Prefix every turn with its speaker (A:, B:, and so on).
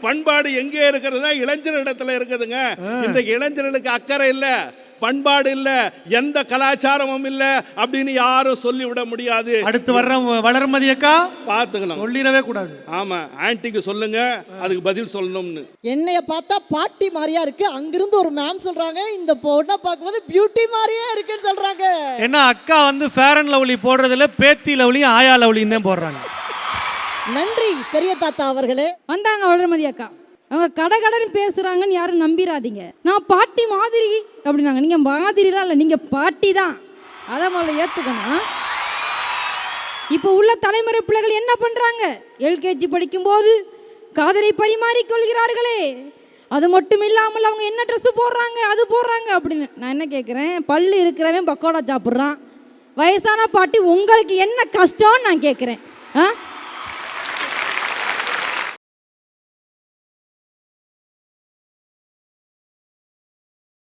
A: பண்பாடு எங்கே இருக்கிறது? இளைஞரிடத்துல இருக்குதுங்க. இன்றைக்கு இளைஞர்களுக்கு அக்கறை இல்ல, பண்பாடு இல்ல, எந்த கலாச்சாரமும் இல்ல அப்படின்னு யாரும் சொல்லிவிட முடியாது.
B: அடுத்து வர்ற வளர்மதி அக்கா
A: பாத்துக்கலாம்,
B: சொல்லிடவே கூடாது.
A: ஆமா, ஆன்ட்டிக்கு சொல்லுங்க, அதுக்கு பதில் சொல்லணும்னு.
C: என்னைய பார்த்தா பாட்டி மாதிரியா இருக்கு, அங்கிருந்து ஒரு மேம் சொல்றாங்க இந்த பொண்ணை பார்க்கும்போது பியூட்டி மாதிரியே இருக்குன்னு சொல்றாங்க.
B: ஏன்னா அக்கா வந்து ஃபேர் அண்ட் லவ்லி போடுறதுல பேத்தி லவ்லியும் ஆயா லவ்லியும் தான் போடுறாங்க.
C: நன்றி பெரிய தாத்தா அவர்களே.
D: வந்தாங்க வளர்மதி அக்கா, அவங்க கடகடன்னு பேசுகிறாங்கன்னு யாரும் நம்பிடாதீங்க. நான் பாட்டி மாதிரி அப்படின்னாங்க. நீங்கள் மாதிரிலாம் இல்லை, நீங்கள் பாட்டி தான். அதை முதல்ல ஏற்றுக்கணும். இப்போ உள்ள தலைமுறை பிள்ளைகள் என்ன பண்ணுறாங்க? எல்கேஜி படிக்கும்போது காதலை பரிமாறிக்கொள்கிறார்களே, அது மட்டும் இல்லாமல் அவங்க என்ன ட்ரெஸ்ஸு போடுறாங்க, அது போடுறாங்க அப்படின்னு. நான் என்ன கேட்குறேன், பல்லு இருக்கிறவன் பக்கோடா சாப்பிட்றான், வயசான பாட்டி உங்களுக்கு என்ன கஷ்டம்னு நான் கேட்குறேன்.